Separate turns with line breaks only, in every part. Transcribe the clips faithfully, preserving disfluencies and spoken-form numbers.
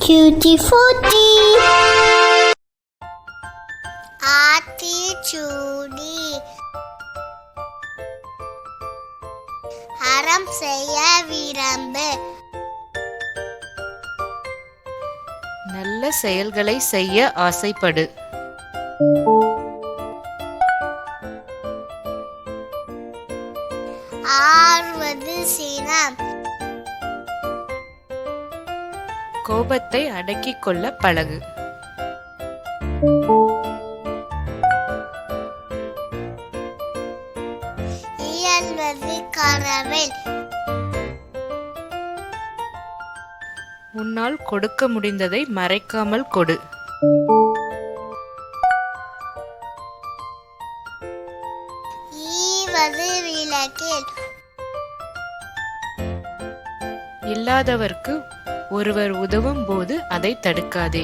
Tutti Frutti. Aathichoodi அறம் செய்ய விரும்பு.
நல்ல செயல்களை செய்ய ஆசைப்படு.
ஆறுவது சினம்.
கோபத்தை அடக்கிக் கொள்ள பழகு.
இயல்வது கரவேல்.
உன்னால் கொடுக்க முடிந்ததை மறைக்காமல் கொடு.
ஈவது விளக்கேல்.
இல்லாதவர்க்கு ஒருவர் உதவும் போது அதை தடுக்காதே.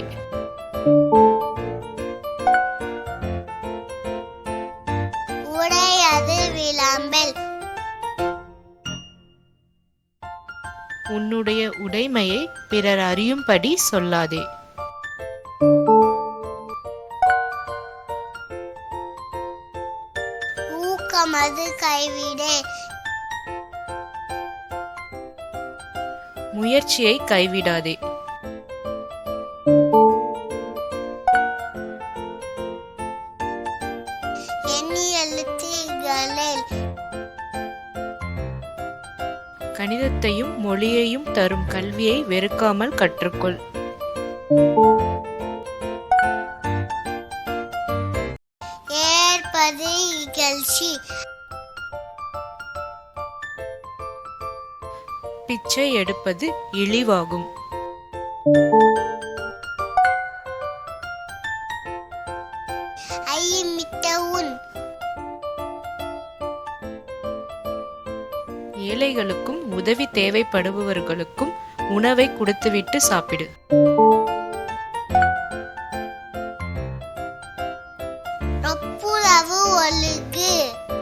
உடையது விளம்பல்.
உன்னுடைய உடைமையை பிறர் அறியும்படி சொல்லாதே.
ஊக்கமது கைவிடே.
முயற்சியை கைவிடாதே.
எண்ணி எழுத்துகளில்.
கணிதத்தையும் மொழியையும் தரும் கல்வியை வெறுக்காமல் கற்றுக்கொள்.
ஏற்பது இகழ்ச்சி.
பிச்சை எடுப்பது இழிவாகும்.
ஐமிட்ட உன்.
ஏழைகளுக்கும் உதவி தேவைப்படுபவர்களுக்கும் உணவை கொடுத்துவிட்டு சாப்பிடு.
ஒப்புரவு ஒழுகு.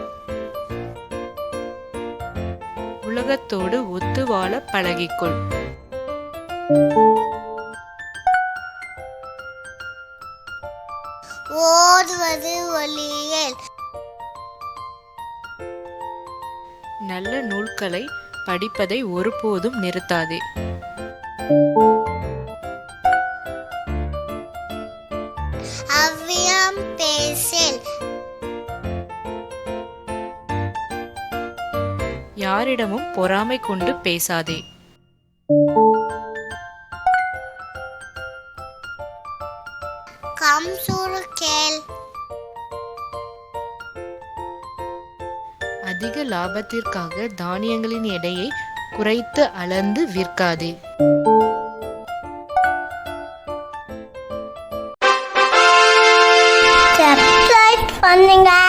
உலகத்தோடு ஒத்து வாழ பழகிக்கொள்.
ஓதுவது ஒளியல்.
நல்ல நூல்களை படிப்பதை ஒருபோதும் நிறுத்தாதே.
அவ்வியம் பேசல்.
யாரிடமும் பொறாமை கொண்டு பேசாதே.
கம்சூறு கேள்.
அதிக லாபத்திற்காக தானியங்களின் எடையை குறைத்து அளந்து விற்காதே.
சப்ஸ்கிரைப் பண்ணுங்க.